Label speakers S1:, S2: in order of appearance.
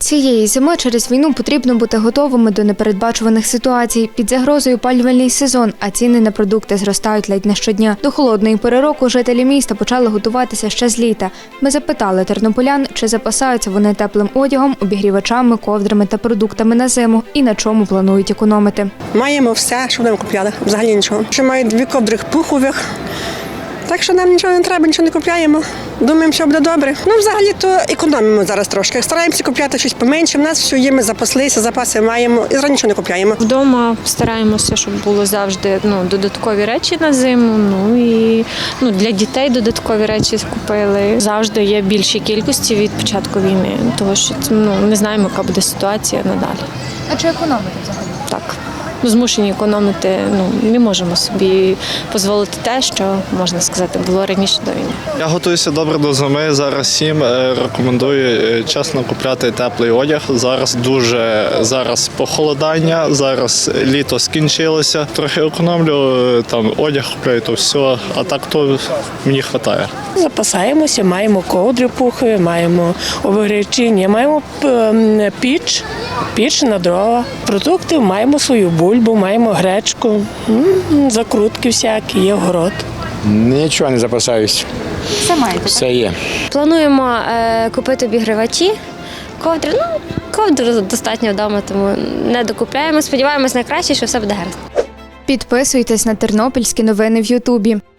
S1: Цієї зими через війну потрібно бути готовими до непередбачуваних ситуацій. Під загрозою опалювальний сезон, а ціни на продукти зростають ледь не щодня. До холодної пори року жителі міста почали готуватися ще з літа. Ми запитали тернополян, чи запасаються вони теплим одягом, обігрівачами, ковдрами та продуктами на зиму і на чому планують економити.
S2: Маємо все, що нам купляли, взагалі нічого. Ще маю 2 ковдри пухових. Так що нам нічого не треба, нічого не купляємо. Думаємо, що буде добре. Взагалі-то економимо зараз трошки. Стараємося купляти щось поменше. У нас все є, ми запаслися, запаси маємо і зараз нічого не купляємо.
S3: Вдома стараємося, щоб було завжди додаткові речі на зиму. І для дітей додаткові речі купили. Завжди є більші кількості від початку війни, тому що не знаємо, яка буде ситуація надалі.
S1: А чи економити взагалі?
S3: Так. Змушені економити, не можемо собі дозволити те, що, можна сказати, було раніше до війни.
S4: Я готуюся добре до зими, зараз всім рекомендую чесно купляти теплий одяг. Зараз похолодання, зараз літо скінчилося. Трохи економлю, одяг купляю, то все, а так то мені вистачає.
S5: Запасаємося, маємо ковдри пухові, маємо обігрівачі, маємо піч на дрова. Продукти маємо свою бульбу, маємо гречку, закрутки всякі, є город.
S6: Нічого не запасаюсь.
S1: Все маєте?
S6: Все є.
S7: Плануємо купити обігрівачі, ковдри. Ковдри достатньо вдома, тому не докупляємо. Сподіваємось на краще, що все буде гаразд.
S1: Підписуйтесь на тернопільські новини в Ютубі.